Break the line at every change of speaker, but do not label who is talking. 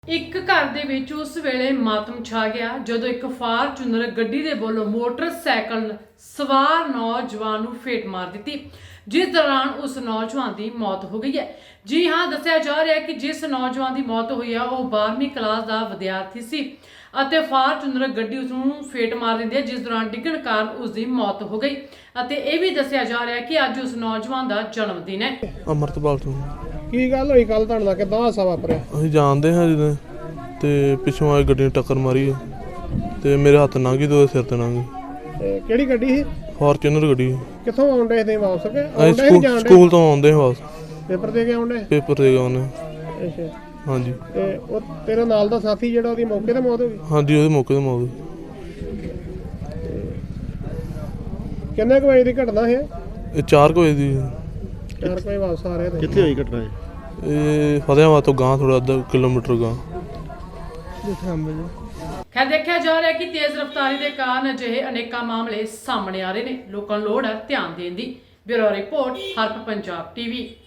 ਇੱਕ ਘਰ ਦੇ ਵਿੱਚ ਉਸ ਵੇਲੇ ਮਾਤਮ ਛਾ ਗਿਆ ਜਦੋਂ ਇੱਕ ਫਾਰਚੂਨਰ ਗੱਡੀ ਦੇ ਵੱਲੋਂ ਮੋਟਰਸਾਈਕਲ ਸਵਾਰ ਨੌਜਵਾਨ ਨੂੰ ਫੇਟ ਮਾਰ ਦਿੱਤੀ, ਜਿਸ ਦੌਰਾਨ ਉਸ ਨੌਜਵਾਨ ਦੀ ਮੌਤ ਹੋ ਗਈ ਹੈ। ਜੀ ਹਾਂ, ਦੱਸਿਆ ਜਾ ਰਿਹਾ ਹੈ ਕਿ ਜਿਸ ਨੌਜਵਾਨ ਦੀ ਮੌਤ ਹੋਈ ਹੈ ਉਹ 12ਵੀਂ ਕਲਾਸ ਦਾ ਵਿਦਿਆਰਥੀ ਸੀ ਅਤੇ ਫਾਰਚੂਨਰ ਗੱਡੀ ਉਸ ਨੂੰ ਫੇਟ ਮਾਰ ਦਿੰਦੀ ਹੈ, ਜਿਸ ਦੌਰਾਨ ਡਿੱਗਣ ਕਾਰਨ ਉਸ ਦੀ ਮੌਤ ਹੋ ਗਈ। ਅਤੇ ਇਹ ਵੀ ਦੱਸਿਆ ਜਾ ਰਿਹਾ ਹੈ ਕਿ ਅੱਜ ਉਸ ਨੌਜਵਾਨ ਦਾ ਜਨਮ ਦਿਨ ਹੈ।
ਅਮਰਤਪਾਲ ਤੋਂ
ਕੀ ਗੱਲ ਹੋਈ ਕੱਲ ਤੁਹਾਡੇ ਨਾਲ, ਕਿੱਦਾਂ ਹਾਦਸਾ ਵਾਪਰਿਆ?
ਅਸੀਂ ਜਾਣਦੇ ਹਾਂ ਜਦੋਂ ਤੇ ਪਿੱਛੋਂ ਆਈ ਗੱਡੀ ਨੇ ਟੱਕਰ ਮਾਰੀ ਤੇ ਮੇਰੇ ਹੱਥ ਲੰਘ ਗਈ ਤੇ ਉਹਦੇ ਸਿਰ ਤੇ ਲੰਘ ਗਈ।
ਤੇ ਕਿਹੜੀ ਗੱਡੀ ਸੀ?
ਫਾਰਚੂਨਰ ਗੱਡੀ।
ਕਿੱਥੋਂ ਆਉਂਦੇ ਸੀ ਵਾਪਸ ਕੇ?
ਅਸੀਂ ਸਕੂਲ ਤੋਂ ਆਉਂਦੇ ਹਾਂ ਬਸ,
ਪੇਪਰ ਦੇ ਕੇ ਆਉਂਦੇ?
ਪੇਪਰ ਦੇ ਕੇ ਆਉਂਦੇ।
ਅੱਛਾ,
ਹਾਂਜੀ।
ਤੇ ਉਹ ਤੇਰੇ ਨਾਲ ਦਾ ਸਾਥੀ ਜਿਹੜਾ, ਉਹਦੀ ਮੌਕੇ ਤੇ ਮੌਤ ਹੋ ਗਈ?
ਹਾਂਜੀ, ਉਹਦੇ ਮੌਕੇ ਤੇ ਮੌਤ ਹੋਈ।
ਕਿੰਨੇ ਕੁ ਵਜੇ ਦੀ ਘਟਨਾ ਹੈ?
ਇਹ 4 ਵਜੇ ਦੀ।
4 ਵਜੇ ਵਾਪਸ ਆ ਰਹੇ ਤੇ
ਕਿੱਥੇ ਹੋਈ ਘਟਨਾ?
ਇਹ ਫਤਿਆਬਾਦ ਤੋਂ ਗਾਂ ਥੋੜਾ ਅੱਧਾ ਕਿਲੋਮੀਟਰ ਗਾਂ।
ਖੈਰ, ਦੇਖਿਆ ਜਾ ਰਿਹਾ ਹੈ ਕਿ ਤੇਜ਼ ਰਫ਼ਤਾਰੀ ਦੇ ਕਾਰਨ ਅਜਿਹੇ ਅਨੇਕਾਂ ਮਾਮਲੇ ਸਾਹਮਣੇ ਆ ਰਹੇ ਨੇ। ਲੋਕਾਂ ਨੂੰ ਲੋੜ ਹੈ ਧਿਆਨ ਦੇਣ ਦੀ। ਬਿਊਰੋ ਰਿਪੋਰਟ, ਹਰਪ ਪੰਜਾਬ ਟੀਵੀ।